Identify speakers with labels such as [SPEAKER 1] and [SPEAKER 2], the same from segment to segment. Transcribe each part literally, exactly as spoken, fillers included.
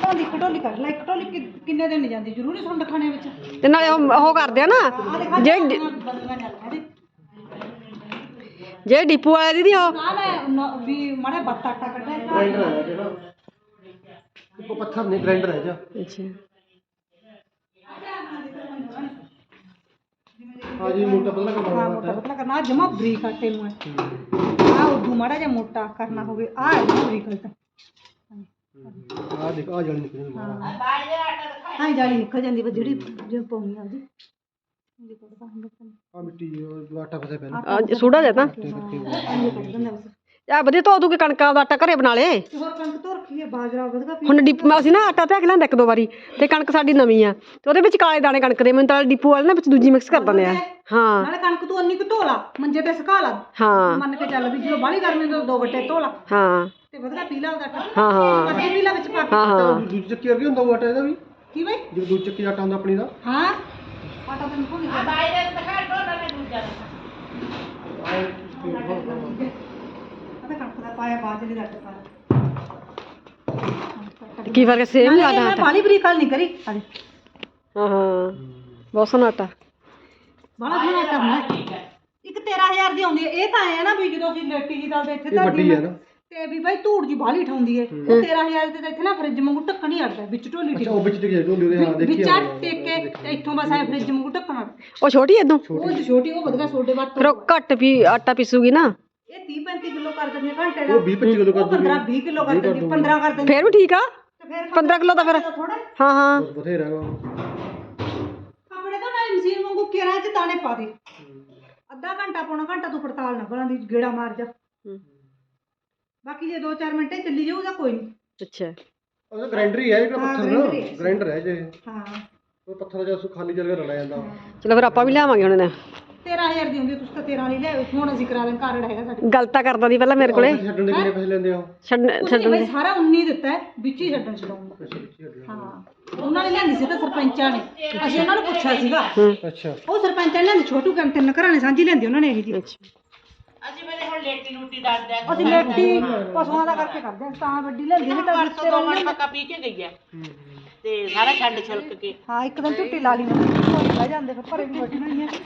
[SPEAKER 1] ਢੋਲੀ ਢੋਲੀ ਕਰ ਲੈ ਇੱਕ ਢੋਲੀ ਕਿੰਨੇ ਦਿਨ ਨਹੀਂ ਜਾਂਦੀ ਜ਼ਰੂਰੀ ਸੁੰਡ ਖਾਣੇ ਵਿੱਚ
[SPEAKER 2] ਤੇ ਨਾਲੇ ਉਹ ਕਰਦੇ ਆ ਨਾ ਜੇ ਜੇ ਡਿਪੂ ਵਾਲੇ ਦੀਦੀ ਉਹ
[SPEAKER 1] ਵੀ ਮਾੜਾ ਬੱਤਾ ਆਟਾ ਕੱਢਿਆ
[SPEAKER 3] ਗ੍ਰਾਈਂਡਰ ਹੈ ਜਿਹੜਾ ਉਹ ਪੱਥਰ ਨਹੀਂ ਗ੍ਰਾਈਂਡਰ ਹੈ ਜਾ
[SPEAKER 2] ਅੱਛਾ
[SPEAKER 3] हाँ जी मोटा पतला करना
[SPEAKER 1] हाँ मोटा पतला करना आ जमा बरीक आटे में आ उदू माड़ा जा मोटा करना होवे आ बरीक आटा
[SPEAKER 3] आ देख आ जाली निकल
[SPEAKER 1] हां हां जाली निकल जांदी बस जेडी जो पाउनी आ जी
[SPEAKER 3] आ मिट्टी आटा फसे पहले
[SPEAKER 2] सूड़ा देता ਆ ਵਧੀਆ ਧੋ ਦੂ ਕੇ ਕਣਕਾਂ ਦਾ ਆਟਾ ਘਰੇ ਬਣਾ ਲੇ
[SPEAKER 1] ਹੋਰ ਕਣਕ ਧੋ ਰੱਖੀ ਹੈ ਬਾਜਰਾ ਵਧਗਾ
[SPEAKER 2] ਹੁਣ ਡਿਪੂ ਅਸੀਂ ਨਾ ਆਟਾ ਧਿਆ ਕੇ ਲਿਆਂਦਾ ਇੱਕ ਦੋ ਵਾਰੀ ਤੇ ਕਣਕ ਸਾਡੀ ਨਵੀਂ ਆ ਤੇ ਉਹਦੇ ਵਿੱਚ ਕਾਲੇ ਦਾਣੇ ਕਣਕ ਦੇ ਮੈਨੂੰ ਤਾਂ ਡਿਪੂ ਵਾਲੇ ਨਾ ਵਿੱਚ ਦੂਜੀ ਮਿਕਸ ਕਰ ਦਿੰਦੇ ਆ ਹਾਂ
[SPEAKER 1] ਨਾਲੇ ਕਣਕ ਤੂੰ ਅੰਨੀ ਕੁ ਧੋ ਲਾ ਮੰਜੇ ਤੇ ਸੁਕਾ ਲਾ
[SPEAKER 2] ਹਾਂ
[SPEAKER 1] ਮੰਨ ਕੇ ਚੱਲ ਵੀ ਜਦੋਂ ਬਾਹਲੀ ਗਰਮੀ ਤੋਂ ਦੋ ਗੱਟੇ ਧੋ ਲਾ
[SPEAKER 2] ਹਾਂ
[SPEAKER 1] ਤੇ ਵਧਗਾ ਪੀ ਲਾ ਉਹਦਾ ਆਟਾ
[SPEAKER 2] ਹਾਂ ਹਾਂ
[SPEAKER 1] ਅਸੀਂ ਪੀ ਲਾ ਵਿੱਚ ਪਾ ਕੇ
[SPEAKER 2] ਹਾਂ ਹਾਂ
[SPEAKER 3] ਦੂਜੀ ਚੱਕੀ ਵਰਗੀ ਹੁੰਦਾ ਉਹ ਆਟਾ ਇਹਦਾ ਵੀ
[SPEAKER 1] ਕੀ ਬਈ
[SPEAKER 3] ਜੇ ਦੂਜੀ ਚੱਕੀ ਦਾ ਆਟਾ ਹੁੰਦਾ ਆਪਣੀ ਦਾ
[SPEAKER 1] ਹਾਂ ਆਟਾ ਤਾਂ ਨਿਕਲ ਗਿਆ ਬਾਈ ਦੇ ਦਿਖਾ ਢੋਲਾ ਨੇ ਦੂਜਾ ਅਬੇ ਕਣਕ ਦਾ ਪਾਇਆ ਬਾਜਰੇ ਦਾ ਆਟਾ
[SPEAKER 2] ਕੀ ਫਰਕ ਸੇਮ ਹੀ ਆਟਾ
[SPEAKER 1] ਮੈਂ ਬਾਲੀ ਬਰੀਕ ਨਹੀਂ ਕਰੀ
[SPEAKER 2] ਹਾਂ ਹਾਂ ਬਹੁਤ ਸੋਹਣਾ ਆਟਾ
[SPEAKER 1] ਬੜਾ ਸੋਹਣਾ ਆਟਾ ਹੁੰਦਾ ਇੱਕ ਤੇਰਾਂ ਹਜ਼ਾਰ ਦੀ ਆਉਂਦੀ ਹੈ ਇਹ ਤਾਂ ਐ ਨਾ ਵੀ ਜਦੋਂ ਅਸੀਂ ਲੇਟੀ ਜੀ ਦਲਦੇ ਇੱਥੇ
[SPEAKER 3] ਇਹ ਵੱਡੀ ਹੈ ਨਾ
[SPEAKER 1] ਤੇ ਵੀ ਬਾਈ ਧੂੜ ਜੀ ਬਾਹਲੀ ਠਾਉਂਦੀ ਹੈ ਉਹ ਤੇਰਾਂ ਹਜ਼ਾਰ ਦੇ ਤਾਂ ਇੱਥੇ ਨਾ ਫਰਿੱਜ ਵਾਂਗੂ ਢੱਕਣ ਹੀ ਅੜਦਾ ਵਿੱਚ ਢੋਲੀ
[SPEAKER 3] ਅੱਛਾ ਉਹ ਵਿੱਚ ਟਿਕ ਢੋਲੀ ਉਹਦੇ ਹਾਂ ਦੇਖੀ
[SPEAKER 1] ਵਿੱਚ ਟੇਕ ਕੇ ਤੇ ਇੱਥੋਂ ਬਸ ਐ ਫਰਿੱਜ ਵਾਂਗੂ ਢੱਕਣ
[SPEAKER 2] ਉਹ ਛੋਟੀ ਐਦੋਂ
[SPEAKER 1] ਉਹ ਛੋਟੀ ਉਹ ਵਧਗਾ ਛੋਟੇ ਬਾਤ
[SPEAKER 2] ਫਿਰ ਉਹ ਘੱਟ ਵੀ ਆਟਾ ਪੀਸੂਗੀ ਨਾ
[SPEAKER 1] ਇਹ ਤੀਹ ਪੈਂਤੀ ਕਿਲੋ ਕਰ ਦਿੰਦੇ ਘੰਟੇ ਦਾ
[SPEAKER 3] ਉਹ ਵੀਹ ਪੱਚੀ ਕਿਲੋ ਕਰ ਦਿੰਦੀ
[SPEAKER 1] ਪੰਦਰਾਂ ਵੀਹ ਕਿਲੋ ਕਰ ਦਿੰਦੀ ਪੰਦਰਾਂ ਕਰ ਦਿੰਦੀ
[SPEAKER 2] ਫਿਰ ਵੀ ਠੀਕ ਆ
[SPEAKER 1] ਤੇ ਫਿਰ
[SPEAKER 2] ਪੰਦਰਾਂ ਕਿਲੋ ਤਾਂ ਫਿਰ
[SPEAKER 1] ਥੋੜਾ
[SPEAKER 2] ਹਾਂ ਹਾਂ
[SPEAKER 3] ਬਥੇਰਾ
[SPEAKER 1] ਆਪਣੇ ਤਾਂ ਨਾਲ ਮਸ਼ੀਨ ਵਾਂਗੂ ਕੇਰਾਂ ਚ ਦਾਣੇ ਪਾ ਦੇ ਅੱਧਾ ਘੰਟਾ ਪੌਣਾ ਘੰਟਾ ਤੂੰ ਪੜਤਾਲ ਨਾ ਬਣਾ ਦੀ ਗੇੜਾ ਮਾਰ ਜਾ ਬਾਕੀ ਜੇ ਦੋ ਚਾਰ ਮਿੰਟੇ ਚੱਲੀ ਜਾਊਗਾ ਕੋਈ ਨਹੀਂ
[SPEAKER 2] ਅੱਛਾ
[SPEAKER 3] ਉਹ ਗ੍ਰਾਈਂਡਰ ਹੀ ਹੈ ਜਿਹੜਾ ਪੱਥਰ ਨਾ ਗ੍ਰਾਈਂਡਰ ਹੈ ਜੇ
[SPEAKER 1] ਹਾਂ
[SPEAKER 3] ਉਹ ਪੱਥਰ ਜਿਹਾ ਖਾਲੀ ਜਗ੍ਹਾ ਰਲਾ ਜਾਂਦਾ
[SPEAKER 2] ਚਲੋ ਫਿਰ ਆਪਾਂ ਵੀ ਲਿਆਵਾਂਗੇ ਹੁਣ
[SPEAKER 1] ਤੇਰਾਂ ਹਜ਼ਾਰ ਦੀ ਹੁੰਦੀ ਤੁਸੀਂ ਤਾਂ ਤੇਰਾਂ ਵਾਲੀ ਲੈ ਹੁਣ ਅਸੀਂ ਕਰਾ ਦਾਂ ਕਾਰਡ ਹੈਗਾ ਸਾਡੇ
[SPEAKER 2] ਗਲਤਾ ਕਰਦਾ ਦੀ ਪਹਿਲਾਂ ਮੇਰੇ ਕੋਲੇ
[SPEAKER 3] ਛੱਡਣ ਦੇ ਕਿੰਨੇ ਪੈਸੇ ਲੈਂਦੇ ਆ ਉਹ
[SPEAKER 2] ਛੱਡ
[SPEAKER 1] ਛੱਡਣ ਦੇ ਸਾਰਾ ਉੱਨੀ ਦਿੱਤਾ ਹੈ ਵਿੱਚ ਹੀ ਛੱਡਣ ਛਡਾਉਂਗਾ ਹਾਂ ਉਹਨਾਂ ਨੇ ਲਿਆਂਦੀ ਸੀ ਤਾਂ ਸਰਪੰਚਾਂ ਨੇ ਅਸੀਂ ਉਹਨਾਂ ਨੂੰ ਪੁੱਛਿਆ ਸੀਗਾ
[SPEAKER 3] ਅੱਛਾ
[SPEAKER 1] ਉਹ ਸਰਪੰਚਾਂ ਨੇ ਲਿਆਂਦੀ ਛੋਟੂ ਕੰਮ ਤਿੰਨ ਘਰਾਂ ਨੇ ਸਾਂਝੀ ਲਿਆਂਦੀ ਉਹਨਾਂ ਨੇ ਇਹ ਜੀ
[SPEAKER 4] ਅਸੀਂ ਮੇਰੇ ਹੁਣ ਲੇਟੀ ਲੂਟੀ ਦੱਸਦੇ ਆ
[SPEAKER 1] ਅਸੀਂ ਲੇਟੀ ਪਸ਼ੂਆਂ ਦਾ ਕਰਕੇ ਕਰਦੇ ਹਾਂ ਤਾਂ ਵੱਡੀ ਲਿਆਂਦੀ ਨਹੀਂ ਤਾਂ
[SPEAKER 4] ਪਰਸੋਂ ਦੋ ਮਿੰਟ ਪੱਕਾ ਪੀ ਕੇ ਗਈ ਆ ਤੇ ਸਾਰਾ ਛੱਡ ਛਿਲਕ ਕੇ
[SPEAKER 1] ਹਾਂ ਇੱਕ ਦਿਨ ਝੁੱਟੀ ਲਾ ਲਈ ਮੈਂ ਬਹਿ ਜਾਂਦੇ ਫਿਰ ਘਰੇ ਵੀ ਬੈਠੀ ਨਹੀਂ ਹੈ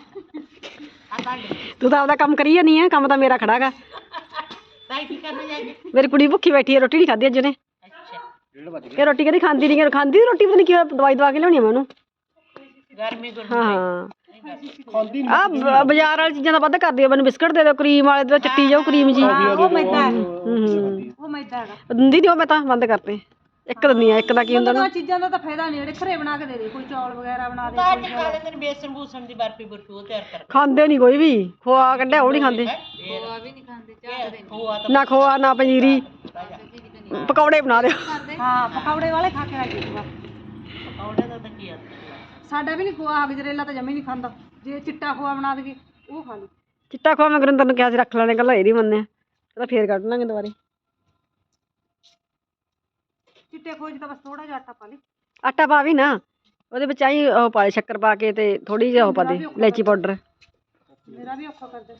[SPEAKER 2] ਤੂੰ ਤਾਂ ਆਪਦਾ ਕੰਮ ਕਰੀ ਜਾਨੀ ਆ ਕੰਮ ਤਾਂ ਮੇਰਾ ਖੜਾਗਾ
[SPEAKER 4] ਤਾਈ ਕੀ ਕਰਨਾ ਜਾਈਏ
[SPEAKER 2] ਮੇਰੀ ਕੁੜੀ ਭੁੱਖੀ ਬੈਠੀ ਹੈ ਰੋਟੀ ਨਹੀਂ ਖਾਧੀ ਅੱਜ ਉਹਨੇ
[SPEAKER 4] ਅੱਛਾ
[SPEAKER 2] ਕਿ ਰੋਟੀ ਕਦੀ ਖਾਂਦੀ ਨਹੀਂ ਖਾਂਦੀ ਰੋਟੀ ਪਤਾ ਨਹੀਂ ਕੀ ਦਵਾਈ ਦਵਾ ਕੇ ਲਿਆਉਣੀ ਆ ਮੈਂ ਉਹਨੂੰ
[SPEAKER 4] ਗਰਮੀ ਗੁਰਮੀ
[SPEAKER 2] ਹਾਂ
[SPEAKER 3] ਖਾਂਦੀ
[SPEAKER 2] ਆ ਬਾਜ਼ਾਰ ਵਾਲੀ ਚੀਜ਼ਾਂ ਦਾ ਵੱਧ ਕਰਦੀ ਆ ਮੈਨੂੰ ਬਿਸਕਟ ਦੇ ਦਿਓ ਕਰੀਮ ਵਾਲੇ ਦੇ ਚੱਟੀ ਜਾਓ ਕਰੀਮ ਜੀ
[SPEAKER 1] ਉਹ ਮੈਦਾ ਹੈ
[SPEAKER 2] ਹੂੰ
[SPEAKER 1] ਉਹ ਮੈਦਾ ਹੈਗਾ
[SPEAKER 2] ਦਿੰਦੀ ਨਹੀਂ ਉਹ ਮੈਂ ਤਾਂ ਬੰਦ ਕਰਤੇ ਇੱਕ ਦਿੰਦੀ ਆ ਇੱਕ ਦਾ ਕੀ ਹੁੰਦਾ ਨਾ
[SPEAKER 1] ਉਹ ਚੀਜ਼ਾਂ ਦਾ ਤਾਂ ਫਾਇਦਾ ਨਹੀਂ ਜਿਹੜੇ ਘਰੇ ਬਣਾ ਕੇ ਦੇ ਦੇ ਕੋਈ ਚੌਲ ਵਗੈਰਾ ਬਣਾ ਦੇ
[SPEAKER 4] ਤਾਂ ਅੱਜ ਖਾ ਲੈਂਦੇ ਨੇ ਬੇਸਣ ਬੂਸਣ ਦੀ ਬਰਫੀ ਬਰਫੀ ਉਹ ਤਿਆਰ ਕਰ
[SPEAKER 2] ਖਾਂਦੇ ਨਹੀਂ ਕੋਈ ਵੀ ਖੋਆ ਕੱਢਿਆ ਉਹ ਨਹੀਂ ਖਾਂਦੇ
[SPEAKER 4] ਖੋਆ ਵੀ ਨਹੀਂ ਖਾਂਦੇ ਚਾਹ ਦੇ ਖੋਆ ਤਾਂ
[SPEAKER 2] ਨਾ ਖੋਆ ਨਾ ਪੰਜੀਰੀ ਪਕੌੜੇ ਬਣਾ ਦਿਓ
[SPEAKER 1] ਹਾਂ ਪਕੌੜੇ ਵਾਲੇ ਖਾ ਕੇ ਰਾਜੀ ਸੀਗਾ
[SPEAKER 4] ਪਕੌੜੇ ਦਾ ਤਾਂ ਕੀ ਆ
[SPEAKER 1] ਸਾਡਾ ਵੀ ਨਹੀਂ ਖੋਆ ਗਜਰੇਲਾ ਤਾਂ ਜਮੀ ਨਹੀਂ ਖਾਂਦਾ ਜੇ ਚਿੱਟਾ ਖੋਆ ਬਣਾ ਦੇਗੇ ਉਹ ਖਾ ਲੂ
[SPEAKER 2] ਚਿੱਟਾ ਖੋਆ ਮੈਂ ਗੁਰਿੰਦਰ ਨੂੰ ਕਿਹਾ ਸੀ ਰੱਖ ਲੈਣੇ ਕੱਲਾ ਇਹ ਨਹੀਂ ਮੰਨਿਆ ਕਹਿੰਦਾ ਫੇਰ ਕੱਢ ਲਾਂਗੇ ਦੁਬਾਰੇ
[SPEAKER 1] ਚਿੱਟੇ ਖੋਜ ਤਾਂ ਬਸ ਥੋੜਾ ਜਿਹਾ ਆਟਾ ਪਾ ਲਈ
[SPEAKER 2] ਆਟਾ ਪਾ ਵੀ ਨਾ ਉਹਦੇ ਵਿੱਚ ਆਈ ਉਹ ਪਾ ਲਈ ਸ਼ੱਕਰ ਪਾ ਕੇ ਤੇ ਥੋੜੀ ਜਿਹੀ ਉਹ ਪਾ ਦੇ ਇਲਾਇਚੀ ਪਾਊਡਰ
[SPEAKER 1] ਮੇਰਾ ਵੀ ਔਖਾ ਕਰਦੇ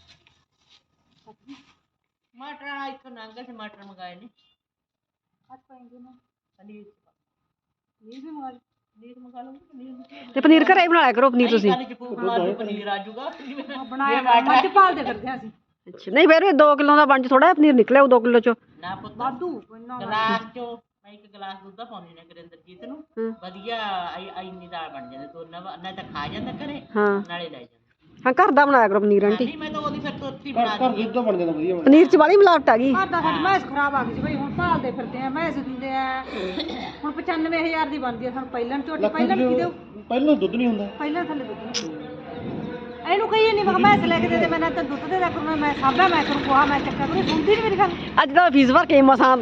[SPEAKER 4] ਮਟਰ ਆ ਇੱਥੋਂ ਨੰਗਾ ਸੀ ਮਟਰ ਮੰਗਾਏ ਨੇ
[SPEAKER 1] ਅੱਜ ਪਾਏਂਗੇ ਨਾ
[SPEAKER 4] ਪਨੀਰ
[SPEAKER 1] ਇਹ ਵੀ ਮੰਗਾ ਲਈ
[SPEAKER 4] ਪਨੀਰ ਮੰਗਾ ਲਓ ਪਨੀਰ
[SPEAKER 2] ਤੇ ਪਨੀਰ ਘਰੇ ਹੀ ਬਣਾ ਲਿਆ ਕਰੋ ਪਨੀਰ ਤੁਸੀਂ
[SPEAKER 4] ਕੱਲ ਚ ਭੂਖ ਮਾਰ ਪਨੀਰ ਆ ਜਾਊਗਾ
[SPEAKER 1] ਬਣਾਇਆ ਮੱਝ ਪਾਲਦੇ ਫਿਰਦੇ ਅਸੀਂ
[SPEAKER 2] ਅੱਛਾ ਨਹੀਂ ਫਿਰ ਦੋ ਕਿਲੋ ਦਾ ਬਣ ਚ ਥੋੜਾ ਪਨੀਰ ਨਿਕਲਿਆ ਉਹ ਦੋ ਕਿਲੋ ਚੋਂ
[SPEAKER 4] ਨਾ ਪੁੱਤ
[SPEAKER 1] ਵਾਧੂ ਇੰਨਾ
[SPEAKER 4] ਗਲਾਸ ਚੋਂ ਮੈਂ ਇੱਕ ਗਲਾਸ ਦੁੱਧ ਦਾ ਪਾਉਣੀ ਨਾ ਕਰਿੰਦਰਜੀਤ ਨੂੰ ਵਧੀਆ ਇੰਨੀ ਦਾਲ ਬਣ ਜਾਂਦੀ ਦੋਨਾਂ ਨਾ ਤਾਂ ਖਾ ਜਾਂਦਾ ਘਰੇ
[SPEAKER 2] ਹਾਂ
[SPEAKER 4] ਨਾਲੇ ਲੈ ਜਾਂਦਾ
[SPEAKER 2] ਹਾਂ ਘਰ ਦਾ ਬਣਾਇਆ ਕਰੋ ਪਨੀਰ ਆਂਟੀ
[SPEAKER 4] ਨਹੀਂ ਮੈਂ ਤਾਂ ਉਹਦੀ ਫਿਰ ਤੋਤੀ ਬਣਾ
[SPEAKER 3] ਘਰ ਦੁੱਧ ਬਣ ਜਾਂਦਾ ਵਧੀਆ
[SPEAKER 2] ਪਨੀਰ ਚ ਵਾਲੀ ਮਿਲਾਵਟ ਆ ਗਈ
[SPEAKER 1] ਘਰ ਦਾ ਸਾਡੀ ਮੈਸ ਖਰਾਬ ਆ ਗਈ ਸੀ ਬਈ ਹੁਣ ਭਾਲਦੇ ਫਿਰਦੇ ਆ ਮੈਸ ਦਿੰਦੇ ਆ ਹੁਣ ਪਚਾਨਵੇਂ ਹਜ਼ਾਰ ਦੀ ਬਣਦੀ ਆ ਸਾਨੂੰ ਪਹਿਲਾਂ ਝੋਟੀ ਪਹਿਲਾਂ ਕੀ ਦਿਓ
[SPEAKER 3] ਪਹਿਲਾਂ ਦੁੱਧ ਨਹੀਂ ਹੁੰਦਾ
[SPEAKER 1] ਪਹਿਲਾਂ ਥੱਲੇ ਦੁੱਧ ਇਹਨੂੰ ਕਹੀਏ ਨਹੀਂ ਮੈਂ ਮੈਸ ਲੈ ਕੇ ਦੇ ਦੇ ਮੈਂ ਤਾਂ ਦੁੱਧ ਦੇ ਦਾ ਕਰੂੰ ਮੈਂ ਸਾਬਾ ਮੈਂ ਕਰੂੰ ਕੋਹਾ ਮੈਂ ਚੱਕਾ ਕਰੂੰ ਸੁਣਦੀ ਨਹੀਂ ਮੇਰੀ ਗੱਲ
[SPEAKER 2] ਅੱਜ ਤਾਂ ਫੀਸ ਭਰ ਕੇ ਮਸਾਂ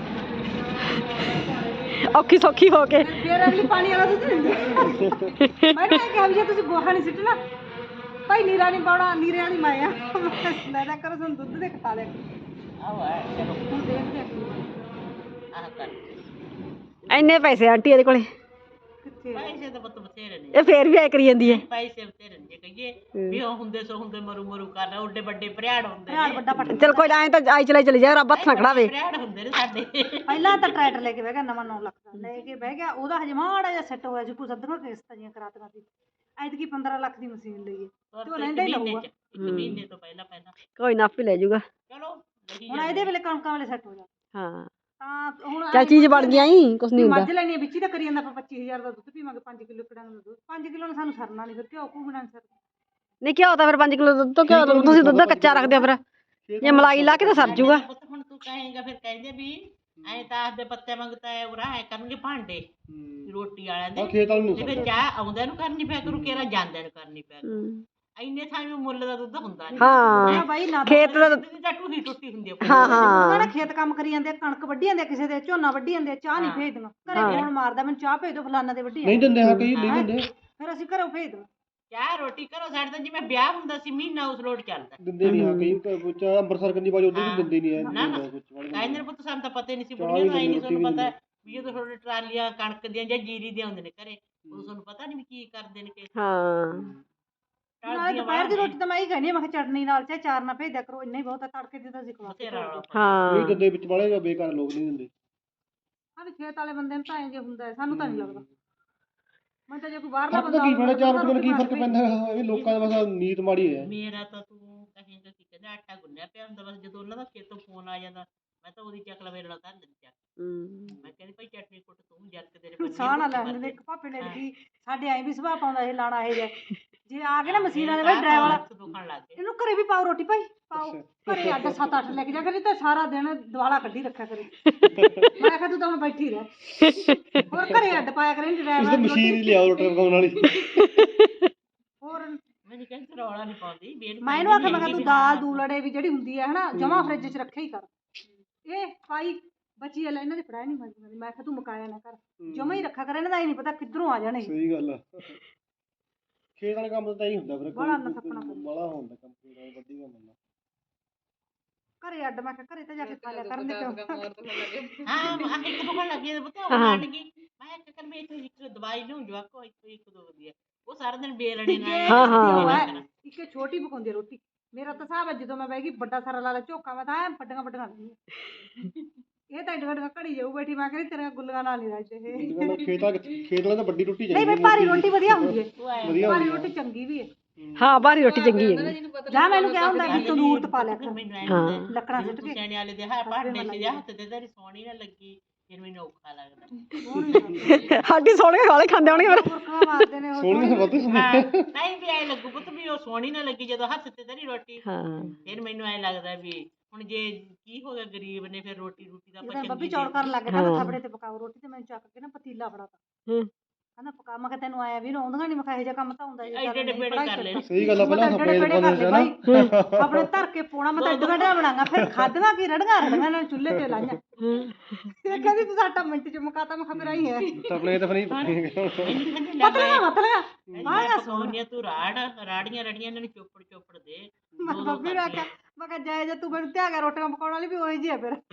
[SPEAKER 2] ਔਖੀ ਸੌਖੀ ਹੋ ਕੇ
[SPEAKER 1] ਫੇਰ ਅਗਲੀ ਪਾਣੀ ਵਾਲਾ ਦੁੱਧ ਦਿੰਦੀ ਮੈਂ ਤਾਂ ਕਿਹਾ ਵੀ ਜੇ ਤੁਸੀਂ ਗੋਹਾ ਨਹੀਂ ਸਿੱਟਣਾ ਭਾਈ ਨੀਰਾ ਨਹੀਂ ਪਾਉਣਾ ਨੀਰੇ ਵਾਲੀ ਮੈਂ ਆ ਲੈ ਲੈ ਕਰੋ ਸਾਨੂੰ ਦੁੱਧ ਦੇ ਖਾ ਲਿਆ
[SPEAKER 4] ਆਹ ਹੈ ਚਲੋ
[SPEAKER 1] ਹੁਣ ਦੇਖਦੇ ਆ
[SPEAKER 4] ਆਹ ਕਰ
[SPEAKER 2] ਇੰਨੇ ਪੈਸੇ ਆਂਟੀ ਇਹਦੇ ਕੋਲੇ
[SPEAKER 1] ਬਥੇਰੇ
[SPEAKER 4] ਪੈਸੇ ਤਾਂ ਪੁੱਤ ਬਥੇਰੇ ਨੇ
[SPEAKER 2] ਇਹ ਫੇਰ ਵੀ ਐ ਕਰੀ ਜਾਂਦੀ ਹੈ।
[SPEAKER 4] ਪੈਸੇ ਬਥੇਰੇ ਨੇ ਜੇ ਕਹੀਏ ਵੀ ਉਹ ਹੁੰਦੇ ਸੋ ਹੁੰਦੇ ਮਰੂ ਮਰੂ ਕਰ ਰਹੇ ਓਡੇ ਵੱਡੇ ਭਰਿਆੜ ਹੁੰਦੇ
[SPEAKER 1] ਭਰਾੜ
[SPEAKER 4] ਨੇ
[SPEAKER 1] ਵੱਡਾ ਪੱਟ
[SPEAKER 2] ਚਲ ਕੋਈ ਨਾ ਐ ਤਾਂ ਆਈ ਚਲੇ ਚਲੇ ਜਾ ਰੱਬ ਹੱਥ ਨਾ ਖੜਾਵੇ।
[SPEAKER 4] ਭਰਿਆੜ ਹੁੰਦੇ ਨੇ ਸਾਡੇ
[SPEAKER 1] ਪਹਿਲਾਂ ਤਾਂ ਟਰੈਕਟਰ ਲੈ ਕੇ ਬਹਿ ਗਿਆ ਨਵਾਂ ਨੌ ਲੱਖ ਦਾ ਲੈ ਕੇ ਬਹਿ ਗਿਆ ਉਹਦਾ ਹਜੇ ਮਾੜਾ ਜਿਹਾ ਸੈੱਟ ਹੋਇਆ ਜੀ ਕੁਛ ਅੱਧੀਆਂ ਕਿਸ਼ਤਾਂ ਜੀਆਂ ਕਰਾਤੀਆਂ ਸੀ ਐਤਕੀ ਪੰਦਰਾਂ ਲੱਖ ਦੀ ਮਸ਼ੀਨ ਲਈ ਤੇ ਉਹ ਲੈਂਦਾ ਹੀ ਲਊਗਾ
[SPEAKER 4] ਇੱਕ ਮਹੀਨੇ ਤੋਂ ਪਹਿਲਾਂ ਪਹਿਲਾਂ
[SPEAKER 2] ਕੋਈ ਨਾ ਆਪੇ ਲੈ ਜਾਊਗਾ।
[SPEAKER 4] ਚਲੋ ਲਈ
[SPEAKER 1] ਹੁਣ ਇਹਦੇ ਵੇਲੇ ਕਣਕਾਂ ਵਾਲੇ ਸੈੱਟ ਹੋ ਜਾ
[SPEAKER 2] ਹਾਂ
[SPEAKER 1] ਤਾਂ ਹੁਣ
[SPEAKER 2] ਚੱਲ ਚੀਜ਼ ਬਣ ਗਿਆ ਹੀ ਕੁਛ ਨਹੀਂ ਹੁੰਦਾ।
[SPEAKER 1] ਮੱਝ ਲੈਣੀ ਵਿੱਚ ਹੀ ਤਾਂ ਕਰੀ ਜਾਂਦਾ ਆਪਾਂ ਪੱਚੀ ਹਜ਼ਾਰ ਦਾ ਦੁੱਧ ਪੀਵਾਂਗੇ ਪੰਜ ਕਿਲੋ ਕੜਾਂਗੇ ਦਾ ਦੁੱਧ ਪੰਜ ਕਿਲੋ ਨਾਲ ਸਾਨੂੰ ਸਰਨਾ ਨਹੀਂ ਫਿਰ ਘਿਓ ਘੂ ਬਣਾਉਣ ਸਰ
[SPEAKER 2] ਨਹੀਂ ਘਿਓ ਤਾਂ ਫਿਰ ਪੰਜ ਕਿਲੋ ਦੁੱਧ ਤੋਂ ਘਿਓ ਤੁਸੀਂ ਦੁੱਧ ਕੱਚਾ ਰੱਖਦੇ ਹੋ ਫਿਰ ਜੇ ਮਲਾਈ ਲਾ ਕੇ ਤਾਂ ਸਰ ਜੂਗਾ।
[SPEAKER 4] ਪੁੱਤ ਹੁਣ ਤੂੰ ਕਹੇਂਗਾ ਫਿਰ ਕਹਿੰਦੇ ਵੀ ਐ ਤਾਂ ਆਖਦੇ ਪੱਤੇ ਮੰਗਤਾ ਹੈ ਉਰਾ ਐ ਕਰਨਗੇ ਭਾਂਡੇ ਰੋਟੀ ਵਾਲਿਆਂ ਦੇ
[SPEAKER 3] ਖੇਤ ਵਾਲੇ ਨੂੰ
[SPEAKER 4] ਤੇ ਫਿਰ ਚਾਹ ਆਉਂਦਿਆਂ ਨੂੰ ਕਰਨੀ ਪਿਆ ਕਰੂ ਕਿਹੜਾ ਜਾਂਦਿਆਂ ਨੂੰ ਕਰਨੀ ਪਿਆ ਕਰੂ।
[SPEAKER 2] ਹੂੰ।
[SPEAKER 4] ਇੰਨੇ ਥਾਂ ਵੀ ਮੁੱਲ ਦਾ ਦੁੱਧ ਹੁੰਦਾ ਨਹੀਂ
[SPEAKER 2] ਹਾਂ
[SPEAKER 1] ਬਾਈ ਨਾ
[SPEAKER 2] ਖੇਤ ਦਾ
[SPEAKER 4] ਦੁੱਧ ਦੀ ਤਾਂ ਟੂਹੀ ਟੁੱਟੀ ਹੁੰਦੀ ਆ
[SPEAKER 2] ਹਾਂ
[SPEAKER 1] ਉਹਨਾਂ
[SPEAKER 2] ਹਾਂ
[SPEAKER 1] ਨੇ ਖੇਤ ਕੰਮ ਕਰੀ ਜਾਂਦੇ ਆ, ਕਣਕ ਵੱਢੀ ਜਾਂਦੇ ਆ, ਕਿਸੇ ਦੇ ਝੋਨਾ ਵੱਢੀ ਜਾਂਦੇ ਆ, ਚਾਹ ਨਹੀਂ ਭੇਜਦੀਆਂ ਘਰੇ ਫੋਨ ਮਾਰਦਾ ਮੈਨੂੰ ਚਾਹ ਭੇਜ ਦਿਓ ਫਲਾਨਾ ਦੇ ਵੱਢੀ
[SPEAKER 3] ਨਹੀਂ ਦਿੰਦੇ ਹਾਂ ਕਈ ਨਹੀਂ ਦਿੰਦੇ
[SPEAKER 1] ਫਿਰ ਅਸੀਂ ਘਰੋਂ ਭੇਜ ਦਿੰਦੇ
[SPEAKER 4] ਚਾਹ ਰੋਟੀ ਕਰੋ ਸਾਡੇ ਤਾਂ ਜਿਵੇਂ ਵਿਆਹ ਹੁੰਦਾ ਸੀ ਮਹੀਨਾ ਉਸ ਲੋਟ ਚੱਲਦਾ
[SPEAKER 3] ਦਿੰਦੇ ਨਹੀਂ ਹਾਂ ਕਈ ਕੁਝ ਅੰਮ੍ਰਿਤਸਰ ਕੰਨੀ ਬਾਜ ਉਧਰ ਵੀ ਦਿੰਦੇ ਨਹੀਂ
[SPEAKER 4] ਨਾ ਨਾ
[SPEAKER 3] ਹੈ ਕੁਝ
[SPEAKER 4] ਕਹਿੰਦੇ ਨੇ ਪੁੱਤ ਸਾਨੂੰ ਤਾਂ ਪਤਾ ਹੀ ਨਹੀਂ ਸੀ ਬੁੜੀਆਂ ਨੂੰ ਆਈ ਨਹੀਂ ਤੁਹਾਨੂੰ ਪਤਾ ਵੀ ਜਦੋਂ ਤੁਹਾਡੇ ਟਰਾਲੀਆਂ ਕਣਕ ਦੀਆਂ ਜਾਂ ਜੀਰੀ ਦੀਆਂ ਹੁੰਦੇ ਨੇ ਘਰੇ ਉਦੋਂ ਤੁਹਾਨੂੰ ਪਤਾ ਨਹੀਂ ਵੀ ਕੀ ਕਰਦੇ ਨੇ ਕਿ
[SPEAKER 2] ਹਾਂ
[SPEAKER 1] ਨਾਲੇ ਦੁਪਹਿਰ ਦੀ ਰੋਟੀ ਤਾਂ ਮੈਂ ਹੀ ਕਹਿੰਦੀ ਹਾਂ ਮੈਂ ਕਿਹਾ ਚਟਨੀ ਨਾਲ ਚਾਹੇ ਚਾਰ ਨਾਲ ਭੇਜ ਦਿਆ ਕਰੋ ਇੰਨਾ ਹੀ ਬਹੁਤ ਆ ਤੜਕੇ ਦੀ ਤਾਂ ਅਸੀਂ ਖਵਾ ਕੇ
[SPEAKER 2] ਹਾਂ
[SPEAKER 3] ਨਹੀਂ ਦਿੰਦੇ ਵਿੱਚ ਵਾਲੇ ਬੇਕਾਰ ਲੋਕ ਨਹੀਂ ਦਿੰਦੇ
[SPEAKER 1] ਹਾਂ ਵੀ ਖੇਤ ਵਾਲੇ ਬੰਦੇ ਨੂੰ ਤਾਂ ਇੰਜ ਹੁੰਦਾ ਹੈ, ਸਾਨੂੰ ਤਾਂ ਨਹੀਂ ਲੱਗਦਾ ਮੈਂ ਤਾਂ ਜੇ ਕੋਈ ਬਾਹਰਲਾ
[SPEAKER 3] ਫਰਕ ਤਾਂ
[SPEAKER 1] ਬੰਦਾ
[SPEAKER 3] ਕੀ ਪੈਣਾ ਚਾਰ ਰੁਪਏ ਨਾਲ ਕੀ ਫਰਕ ਪੈਂਦਾ ਹੈ ਇਹ ਲੋਕਾਂ ਦਾ ਬਸ ਨੀਤ ਮਾੜੀ ਹੈ।
[SPEAKER 4] ਮੇਰਾ ਤਾਂ ਤੂੰ ਕਹੇਂਗਾ ਕਿ ਕਹਿੰਦਾ ਆਟਾ ਗੁੰਨਿਆ ਪਿਆ ਹੁੰਦਾ ਬਸ ਜਦੋਂ ਉਹਨਾਂ ਦਾ ਖੇਤੋਂ ਫੋਨ ਆ ਜਾਂਦਾ ਮੈਂ ਤਾਂ ਉਹਦੀ ਚੱਕ ਲਵੇ ਨਾਲ ਧਰ ਦਿੰਦੀ ਚੱਕ
[SPEAKER 2] ਹੂੰ।
[SPEAKER 4] ਮੈਂ ਕਹਿੰਦੀ ਭਾਈ ਚਟਨੀ ਕੁੱਟ ਤੂੰ ਜਰਕ ਤੇਰੇ ਬੰਦੇ
[SPEAKER 1] ਸਾਹ ਨਾ ਲੈਣ ਦੇ ਇੱਕ ਭਾਪੇ ਨੇ ਕੀ ਸਾਡੇ ਐਂ ਵੀ ਸੁਭਾਅ ਪਾਉਂਦਾ ਇਹ ਲਾਣਾ ਇਹ ਜੇ ਜੇ ਆ ਗਏ ਨਾ ਮਸ਼ੀਨਾਂ ਦੇ ਵਿੱਚ ਡਰਾਈਵਰ ਵਾਲਾ
[SPEAKER 4] ਦੁਖਣ ਲੱਗ ਗਏ
[SPEAKER 1] ਇਹਨੂੰ ਘਰੇ ਵੀ ਪਾਓ ਰੋਟੀ ਭਾਈ ਪਾਓ ਘਰੇ ਅੱਡ ਸੱਤ ਅੱਠ ਲੈ ਕੇ ਜਾ ਕਰੀ ਤੇ ਸਾਰਾ ਦਿਨ ਦਿਵਾਲਾ ਕੱਢੀ ਰੱਖਿਆ ਕਰੇ ਮੈਂ ਕਿਹਾ ਤੂੰ ਤਾਂ ਹੁਣ ਬੈਠੀ ਰਹਿ ਹੋਰ ਘਰੇ ਅੱਡ ਪਾਇਆ ਕਰੇ
[SPEAKER 3] ਇਸ
[SPEAKER 1] ਡਰਾਈਵਰ
[SPEAKER 3] ਤੇ ਮਸ਼ੀਨ ਹੀ ਲਿਆਓ ਰੋਟੀ ਪਕਾਉਣ ਵਾਲੀ
[SPEAKER 1] ਹੋਰ
[SPEAKER 4] ਮੈਨੂੰ ਕਹਿੰਦੀ ਰੌਲਾ ਨਹੀਂ ਪਾਉਂਦੀ ਬੇਲ
[SPEAKER 1] ਮੈਂ ਇਹਨੂੰ ਆਖਿਆ ਮੈਂ ਕਿਹਾ ਤੂੰ ਦਾਲ ਦੂਲੜੇ ਵੀ ਜਿਹੜੀ ਹੁੰਦੀ ਹੈ ਹਨਾ ਜਮਾ ਫਰਿੱਜ 'ਚ ਰੱਖਿਆ ਹੀ ਕਰ ਇਹ ਪਾਈ ਬਚੀ ਲੈ ਇਹਨਾਂ ਦੇ ਫੜਾਇਆ ਨਹੀਂ ਮਾਰੀ ਮੈਂ ਕਿਹਾ ਤੂੰ ਮੁਕਾਇਆ ਨਾ ਕਰ ਜਮਾ ਹੀ ਰੱਖਿਆ ਕਰ ਇਹਨਾਂ ਦਾ ਹੀ ਨਹੀਂ ਪਤਾ ਕਿੱਧਰੋਂ ਆ ਜਾਣੇ
[SPEAKER 3] ਸਹੀ ਗੱਲ ਆ ਖੇਤ ਵਾਲੇ ਕੰਮ ਤਾਂ ਹੀ ਹੁੰਦਾ ਫਿਰ
[SPEAKER 1] ਬੜਾ ਨਸਪਣਾ
[SPEAKER 3] ਬੜਾ ਹੁੰਦਾ ਕੰਮ ਖੇਤ ਵਾਲੇ ਵੱਡੀ ਕੰਮ ਹੁੰਦਾ
[SPEAKER 1] ਘਰੇ ਅੱਡ ਮੈਂ ਕਿਹਾ ਘਰੇ ਤਾਂ ਜਾ ਕੇ ਖਾ ਲਿਆ ਕਰਨ ਦੇ ਕਿਉਂ
[SPEAKER 4] ਹਾਂ ਆ ਇੱਕ ਦੁਖਣ ਲੱਗੀ ਤੇ ਪੁੱਤ ਉਹ ਹਟ ਗਈ ਮੈਂ ਕਿਹਾ ਕਰ ਮੈਂ ਇੱਥੇ ਇੱਕ ਦਵਾਈ ਲਊਂ ਜਵਾਕੋ ਇੱਕ ਇੱਕ ਦੋ ਵਧੀਆ ਉਹ ਸਾਰਾ ਦਿਨ ਬੇਲਣੇ ਨਾਲ
[SPEAKER 2] ਹਾਂ, ਹਾਂ।
[SPEAKER 1] ਇੱਕ ਛੋਟੀ ਪਕਾਉਂਦੀ ਆ ਰੋਟੀ ਮੇਰਾ ਤਾਂ ਹਿਸਾਬ ਹੈ ਜਦੋਂ ਮੈਂ ਬਹਿ ਗਈ ਵੱਡਾ ਸਾਰਾ ਲਾ ਲਾ ਝੋਕਾ ਮੈਂ ਤਾਂ ਐ ਵੱਡੀਆਂ ਵੱਡੀਆਂ ਲੈਂਦੀ ਇਹ ਤਾਂ ਏਡ ਵੱਡੀਆਂ ਘੜੀ ਜਾਊ ਬੈਠੀ ਮੈਂ ਕਹਿੰਦੀ ਤੇਰੇ ਗੁੱਲੀਆਂ ਨਾਲ ਨਹੀਂ ਰਾਜੇ ਇਹ
[SPEAKER 3] ਖੇਤ ਵਾਲੇ ਖੇਤ ਵਾਲੇ ਤਾਂ ਵੱਡੀ ਰੋਟੀ
[SPEAKER 1] ਨਹੀਂ
[SPEAKER 3] ਚਾਹੀਦੀ
[SPEAKER 1] ਬਈ ਭਾਰੀ ਰੋਟੀ ਵਧੀਆ ਹੁੰਦੀ ਹੈ
[SPEAKER 3] ਵਧੀਆ
[SPEAKER 1] ਭਾਰੀ
[SPEAKER 3] ਹੁੰਦੀ
[SPEAKER 1] ਰੋਟੀ ਚੰਗੀ ਵੀ ਹੈ
[SPEAKER 2] ਹਾਂ ਬਾਹਰੀ ਰੋਟੀ ਚੰਗੀ ਹੈ।
[SPEAKER 1] ਜਾਂ ਮੈਨੂੰ ਕਿਹਾ ਹੁੰਦਾ ਵੀ ਤੰਦੂਰ ਤੇ ਪਾ ਲਿਆ ਕਰ
[SPEAKER 4] ਮੈਨੂੰ ਐਂ
[SPEAKER 2] ਹਾਂ।
[SPEAKER 4] ਹੁੰਦਾ
[SPEAKER 1] ਲੱਕੜਾਂ ਸਿੱਟ ਕੇ
[SPEAKER 4] ਸਿਆਣੇ ਵਾਲੇ ਦੇ ਹਾਂ ਭਾਂਡੇ ਸੀ ਹੱਥ ਤੇ ਤੇਰੀ ਸੋਹਣੀ ਨਾ ਲੱਗੀ ਫਿਰ ਮੈਨੂੰ ਔਖਾ ਲੱਗਦਾ
[SPEAKER 2] ਸਾਡੀ ਸੋਹਣੇ ਵਾਲੇ ਖਾਂਦੇ ਹੋਣਗੇ ਫਿਰ
[SPEAKER 1] ਮੁਰਕਾ ਮਾਰਦੇ ਨੇ ਉਹ
[SPEAKER 3] ਸੋਹਣੀਆਂ ਵੱਧ
[SPEAKER 4] ਹਾਂ ਨਹੀਂ ਵੀ ਐ ਲੱਗੂ ਪੁੱਤ ਵੀ ਉਹ ਸੋਹਣੀ ਨਾ ਲੱਗੀ ਜਦੋਂ ਹੱਥ ਤੇ ਤੇਰੀ ਰੋਟੀ
[SPEAKER 2] ਹਾਂ
[SPEAKER 4] ਫਿਰ ਮੈਨੂੰ ਐ ਲੱਗਦਾ ਵੀ ਹੁਣ ਜੇ ਕੀ ਹੋ ਗਿਆ ਗਰੀਬ ਨੇ ਫਿਰ ਰੋਟੀ ਰੋਟੀ ਦਾ ਆਪਾਂ
[SPEAKER 1] ਜਦੋਂ ਬੱਬੀ
[SPEAKER 4] ਚੰਗੀ
[SPEAKER 1] ਚੌੜ ਕਰਨ ਲੱਗ ਗਿਆ ਕਹਿੰਦਾ ਥਾਪੜੇ ਤੇ ਪਕਾਓ ਰੋਟੀ ਤੇ ਮੈਨੂੰ ਚੱਕ ਕੇ ਨਾ ਪਤੀਲਾ ਫੜਾਤਾ
[SPEAKER 2] ਹੂੰ
[SPEAKER 1] ਕਹਿੰਦਾ ਪਕਾ ਮੈਂ ਕਿਹਾ ਤੈਨੂੰ ਆਇਆ ਵੀ ਆਉਂਦੀਆਂ ਨਹੀਂ ਮੈਂ ਕਿਹਾ ਇਹੋ ਜਿਹਾ ਕੰਮ ਤਾਂ ਹੁੰਦਾ ਜੀ
[SPEAKER 4] ਐਡੇ ਐਡੇ ਪੇੜੇ ਕਰ ਲੈਣੇ
[SPEAKER 3] ਸਹੀ ਗੱਲ ਆ ਪਹਿਲਾਂ
[SPEAKER 1] ਐਡੇ
[SPEAKER 3] ਸਪਰੇਅ
[SPEAKER 1] ਪੇੜੇ ਕਰ
[SPEAKER 3] ਪਾਉਂਦੇ
[SPEAKER 1] ਲੈ
[SPEAKER 3] ਸੀ ਨਾ
[SPEAKER 1] ਬਾਈ ਆਪਣੇ ਧਰ ਕੇ ਪੋਣਾ ਮੈਂ ਤਾਂ ਐਡਾ ਵੱਡਾ ਬਣਾਗਾ ਫਿਰ ਖਾਦਵਾ ਕੀ ਰੜੀਆਂ ਰੜੀਆਂ ਨਾਲ ਚੁੱਲ੍ਹੇ ਤੇ ਲਾਈਆਂ ਇਹ ਕਹਿੰਦੀ ਤੂੰ ਸਾਡਾ ਮਿੰਟ ਚ ਮੁਕਾਤਾ ਮੈਂ ਖਬਰ ਆਈ ਹੈ
[SPEAKER 3] ਆਪਣੇ ਤਾਂ ਫਿਰ ਨਹੀਂ
[SPEAKER 4] ਮੈਨੂੰ ਕਹਿੰਦੇ ਲੈ
[SPEAKER 1] ਪਤਲਾ ਪਤਲਾ
[SPEAKER 4] ਮੈਂ ਸੋਨੀਆ ਤੂੰ ਰਾੜ ਰਾੜੀਆਂ ਰੜੀਆਂ ਇਹਨਾਂ ਨੂੰ ਚੋਪੜ ਚੋਪੜ ਦੇ
[SPEAKER 1] ਮੈਂ ਬੱਬੀ ਨੂੰ ਆਖਿਆ ਮੈਂ ਕਿਹਾ ਜਾਇ ਜੇ ਤੂੰ ਮੈਨੂੰ ਧਿਆ ਗਿਆ ਰੋਟੀਆਂ ਪਕਾਉਣ ਵਾਲੀ ਵੀ ਉਹੀ ਜੀ ਆ ਫਿਰ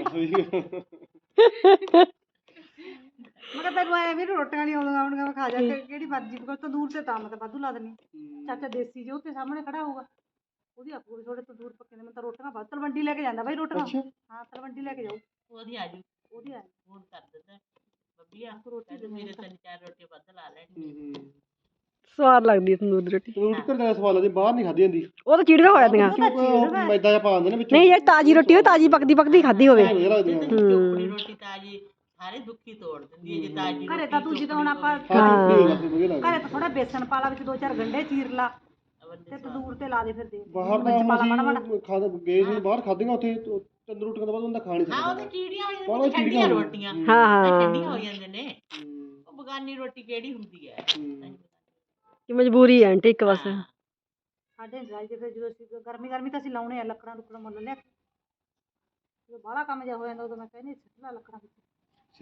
[SPEAKER 1] ਮੈਂ ਕਿਹਾ ਤੈਨੂੰ ਆਇਆ ਵੀ ਰੋਟੀਆਂ ਨਹੀਂ ਆਉਂਦੀਆਂ ਆਉਣਗੀਆਂ ਮੈਂ ਖਾ ਜਾ ਕੇ ਕਿਹੜੀ ਮਰਜ਼ੀ ਪਕਾ ਤੰਦੂਰ ਤੇ ਤਾਂ ਮੈਂ ਤਾਂ ਵਾਧੂ ਲਾ ਦਿੰਦੀ ਚਾਚਾ ਦੇਸੀ ਜੋ ਤੇ ਸਾਹਮਣੇ ਖੜਾ ਹੋਊਗਾ ਉਹਦੀ ਆਪੂ ਥੋੜੇ ਤੰਦੂਰ ਪੱਕੇ ਨੇ ਮੈਂ ਤਾਂ ਰੋਟੀਆਂ ਵੱਧ ਤਲਵੰਡੀ ਲੈ ਕੇ ਜਾਂਦਾ ਬਾਈ ਰੋਟੀਆਂ ਹਾਂ ਤਲਵੰਡੀ ਲੈ ਕੇ ਜਾਊ
[SPEAKER 4] ਉਹਦੀ ਆ ਜੂ
[SPEAKER 1] ਉਹਦੀ ਆ
[SPEAKER 4] ਫੋਨ ਕਰ ਦਿੰਦਾ ਬੱਬੀ ਆ ਰੋਟੀ ਮੇਰੇ ਤਿੰਨ ਚਾਰ ਰੋਟੀ ਵੱਧ ਲਾ ਲੈਣੀ
[SPEAKER 2] ਸਵਾਦ ਲੱਗਦੀ ਹੈ ਤੰਦੂਰ ਦੀ ਰੋਟੀ
[SPEAKER 3] ਰੋਟੀ ਘਰ ਦਾ ਸਵਾਲ ਆ ਜੇ ਬਾਹਰ ਨਹੀਂ ਖਾਦੀ ਜਾਂਦੀ
[SPEAKER 2] ਉਹ ਤਾਂ ਚੀੜੀਆਂ ਹੋ ਜਾਂਦੀਆਂ
[SPEAKER 3] ਮੈਦਾ ਜਿਹਾ ਪਾ ਦਿੰਦੇ ਨੇ ਵਿੱਚ
[SPEAKER 2] ਨਹੀਂ ਯਾਰ ਤਾਜ਼ੀ ਰੋਟੀ ਹੋਵੇ ਤਾਜ਼ੀ ਪੱਕਦੀ ਪੱਕਦੀ ਖਾਦੀ ਹੋਵੇ
[SPEAKER 3] ਵਧੀਆ ਲੱਗਦੀਆਂ
[SPEAKER 4] ਚੋਪੜੀ ਰੋਟੀ ਤਾਜੀ ਸਾਰੇ ਦੁੱਖੀ ਤੋੜ ਦਿੰਦੀ ਹੈ ਜੇ ਤਾਜੀ
[SPEAKER 1] ਘਰੇ ਤਾਂ ਤੂੰ ਜਦੋਂ ਹੁਣ ਆਪਾਂ
[SPEAKER 3] ਹਾਂ ਵਧੀਆ ਲੱਗਦੀ
[SPEAKER 1] ਘਰੇ ਤਾਂ ਥੋੜਾ ਬੇਸਣ ਪਾ ਲਾ ਵਿੱਚ ਦੋ ਚਾਰ ਗੰਢੇ ਚੀਰ ਲਾ ਤੇ ਤੰਦੂਰ ਤੇ ਲਾ ਦੇ ਫਿਰ ਦੇ
[SPEAKER 3] ਬਾਹਰ ਦਾ ਅਸੀਂ ਖਾਦ ਗਏ ਸੀ ਬਾਹਰ ਖਾਧੀਆਂ ਉੱਥੇ ਤੰਦੂਰ ਰੋਟੀਆਂ ਤੋਂ ਬਾਅਦ ਉਹਦਾ ਖਾ ਨਹੀਂ
[SPEAKER 4] ਹਾਂ
[SPEAKER 3] ਸਕਦਾ
[SPEAKER 4] ਉਹਦੇ ਚੀੜੀਆਂ ਹੋ ਜਾਂਦੀਆਂ ਠੰਡੀਆਂ ਰੋਟੀਆਂ
[SPEAKER 2] ਹਾਂ ਹਾਂ
[SPEAKER 4] ਠੰਡੀਆਂ ਹੋ ਜਾਂਦੇ ਨੇ ਉਹ ਬਗਾਨੀ ਰੋਟੀ ਕਿਹੜੀ ਹੁੰਦੀ ਹੈ
[SPEAKER 2] ਕਿ ਮਜਬੂਰੀ ਹੈ ਆਂਟੀ ਇੱਕ ਬਸ
[SPEAKER 1] ਸਾਡੇ ਡਰਾਈ ਤੇ ਫਿਰ ਜਦੋਂ ਅਸੀਂ ਗਰਮੀ ਗਰਮੀ ਤਾਂ ਅਸੀਂ ਲਾਉਣੇ ਆ ਲੱਕੜਾਂ ਲੁੱਕੜਾਂ ਮੁੱਲ ਲਿਆ ਜਦੋਂ ਬਾਹਲਾ ਕੰਮ ਜਿਹਾ ਹੋ ਜਾਂਦਾ ਉਦੋਂ ਮੈਂ ਕਹਿੰਦੀ ਸਿੱਟ ਲਾ ਲੱਕੜਾਂ ਵਿੱਚ